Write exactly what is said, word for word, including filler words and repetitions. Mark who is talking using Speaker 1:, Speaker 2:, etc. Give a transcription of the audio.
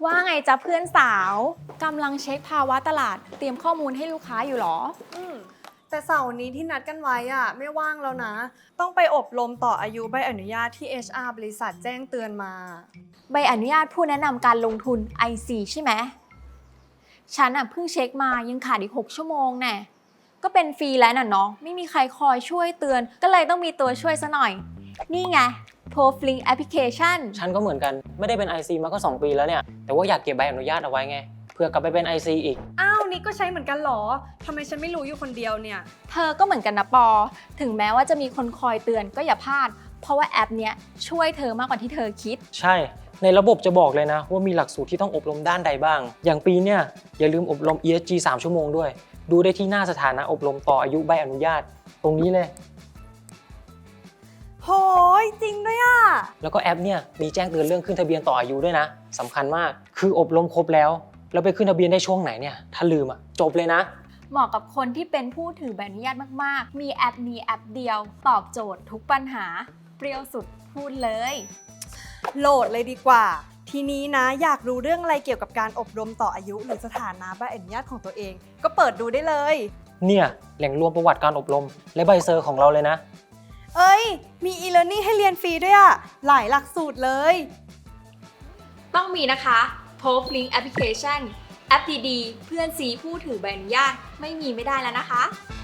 Speaker 1: ว่าไงจ๊ะเพื่อนสาวกำลังเช็คภาวะตลาดเตรียมข้อมูลให้ลูกค้าอยู่หรอ
Speaker 2: อืมแต่เสาร์นี้ที่นัดกันไว้อะไม่ว่างแล้วนะ ต้องไปอบรมต่ออายุใบอนุญาตที่ เอช อาร์ บริษัทแจ้งเตือนมา
Speaker 1: ใบอนุญาตผู้แนะนำการลงทุน ไอ ซี ใช่ไหมฉันอ่ะเพิ่งเช็คมายังขาดอีกหกชั่วโมงแน่ก็เป็นฟรีแล้วน่ะเนาะไม่มีใครคอยช่วยเตือนก็เลยต้องมีตัวช่วยซะหน่อยนี่ไง Proflink Application
Speaker 3: ฉันก็เหมือนกันไม่ได้เป็น ไอ ซี มาก็สองปีแล้วเนี่ยแต่ว่าอยากเก็บใบอนุญาตเอาไว้ไงเผื่อกลับไปเป็น ไอ ซี อีก
Speaker 2: อ้าวนี่ก็ใช้เหมือนกันเหรอทำไมฉันไม่รู้อยู่คนเดียวเนี่ย
Speaker 1: เธอก็เหมือนกันนะปอถึงแม้ว่าจะมีคนคอยเตือนก็อย่าพลาดเพราะว่าแอปเนี้ยช่วยเธอมากกว่าที่เธอคิด
Speaker 3: ใช่ในระบบจะบอกเลยนะว่ามีหลักสูตรที่ต้องอบรมด้านใดบ้างอย่างปีเนี่ยอย่าลืมอบรม อี เอส จี สามชั่วโมงด้วยดูได้ที่หน้าสถานะอบรมต่ออายุใบอนุญาตตรงนี้เลย
Speaker 2: โหยจริงด้วยอ่ะ
Speaker 3: แล้วก็แอปเนี่ยมีแจ้งเตือนเรื่องขึ้นทะเบียนต่ออายุด้วยนะสำคัญมากคืออบรมครบแล้วแล้วไปขึ้นทะเบียนได้ช่วงไหนเนี่ยถ้าลืมอ่ะจบเลยนะ
Speaker 1: เหมาะกับคนที่เป็นผู้ถือใบอนุญาตมากๆมีแอปนี้แอปเดียวตอบโจทย์ทุกปัญหาเปรี้ยวสุดพูดเลย
Speaker 2: โหลดเลยดีกว่า ทีนี้นะอยากรู้เรื่องอะไรเกี่ยวกับการอบรมต่ออายุหรือสถานะใบอนุญาตของตัวเอง ก็เปิดดูได้เลย
Speaker 3: เนี่ยแหล่งรวมประวัติการอบรมและใบเซอร์ของเราเลยนะ
Speaker 2: เอ้ยมี e-learning ให้เรียนฟรีด้วยอ่ะหลายหลักสูตรเลย
Speaker 1: ต้องมีนะคะ Proflink Application แอปดีๆเพื่อนซีผู้ถือใบอนุญาตไม่มีไม่ได้แล้วนะคะ